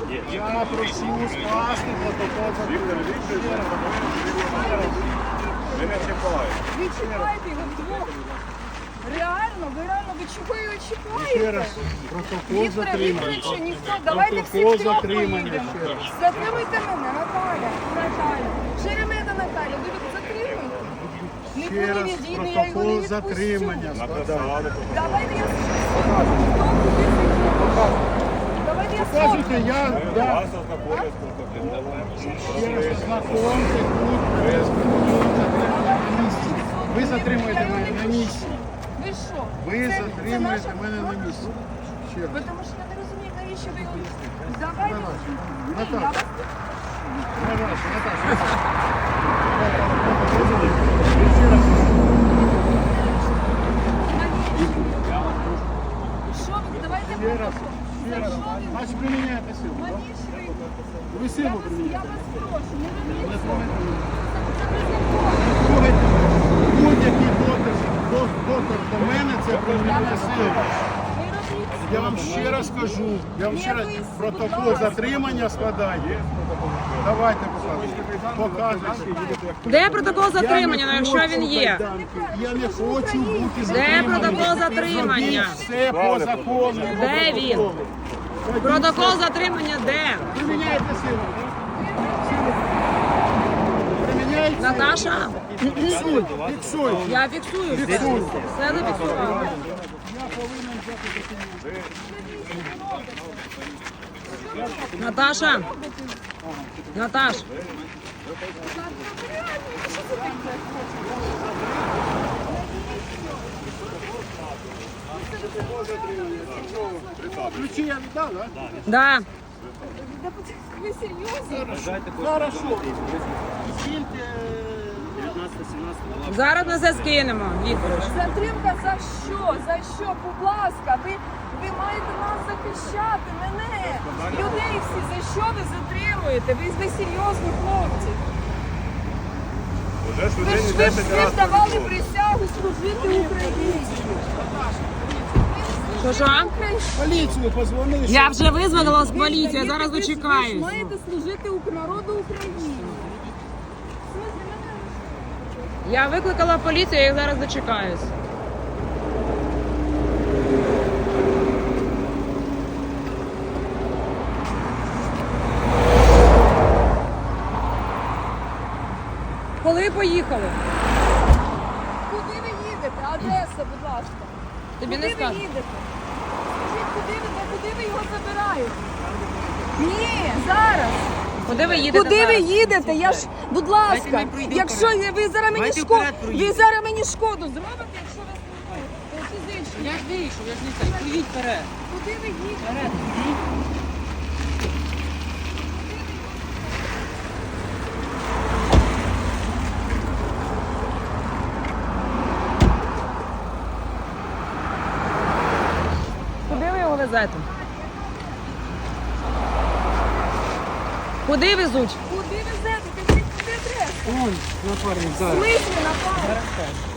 Я прошу скласти протокол затримання. Ви не чіпаєте. Ви чіпаєте його вдвох. Реально, ви чого його Ще чіпаєте? раз, протокол Віктор затримання. Вікторович, ніхто, давайте всі Протокол втрьох затримання поїдемо. ще раз. Затримуйте мене, Наталя. Шеремета Наталя, ви затримуйте. Ще Ніколи раз, не дійду, я його не протокол відпущу. затримання складаю. Написали. Давайте я скажу. Давайте я скажу. Кажете, я да, Вас ознакомлять з протоколом. ще раз ознакомте тут, без протоколу затримання на місці. Ви затримуєте мене на місці. Ви що? Ви Це затримуєте наша мене на справа? місці. Ще раз. Ви тому що я не розумію, навіщо ви його... Давайте. Наталя. Я вас... Наташа, Наташа. Ще раз. Що ви? Давайте Ще раз. протокол. Ще За раз. що ви? Значить, приміняйте силу. Навіщо ви? Ви силу Я приміняєте. вас прошу, не робіть Не цього. трогайте. Це незаконно. Слухайте, будь-який доказ до мене це примінення сили. Не робіть цього. Я вам ще раз кажу, я вам ще раз протокол затримання складаю. Давайте показуйте. Де протокол затримання, ну, якщо він є? Я не хочу бути Де затриманий. протокол затримання? Зробіть все по закону. Де він? Протокол затримання де? Приміняйте силу. Приміняйте. Наташа, Фіксуй, фіксуй. я фіксую все. Фіксуй. Все зафіксувала. Наташа, Наташ, Ключі я віддав, так? да. Ви серйозно? Хорошо. Скільки? Зараз ми все скинемо, Вікторович. Затримка за що? За що? Будь ласка, ви маєте нас захищати, мене, людей всі. За що ви затримуєте? Ви серйозні хлопці. Вже ж Ви людині ж 10 ви разів давали прийшло. присягу служити Україні. Що? Поліцію позвони. Я вже визвонила з поліції, я Ви зараз ви ж дочекаюсь. маєте служити народу України. Я викликала поліцію, я зараз дочекаюсь. Коли поїхали? Куди ви їдете? Адреса, будь ласка. Тобі Куди не ви скажу. їдете? Скажіть, куди ви його забираєте? Ні, зараз. Куди ви їдете Куди ви зараз? їдете? Я ж, будь ласка, якщо ви зараз мені шкоду, ви зараз мені шкоду зробите, якщо ви фізично. Я ж вийшов, я ж не знаю. Поїдь вперед. Куди ви їдете? Вперед. Куди ви його везете? Куди везуть? Куди везете? Кажіть, куди адреса? Вон, напарник, В смислі, напевно?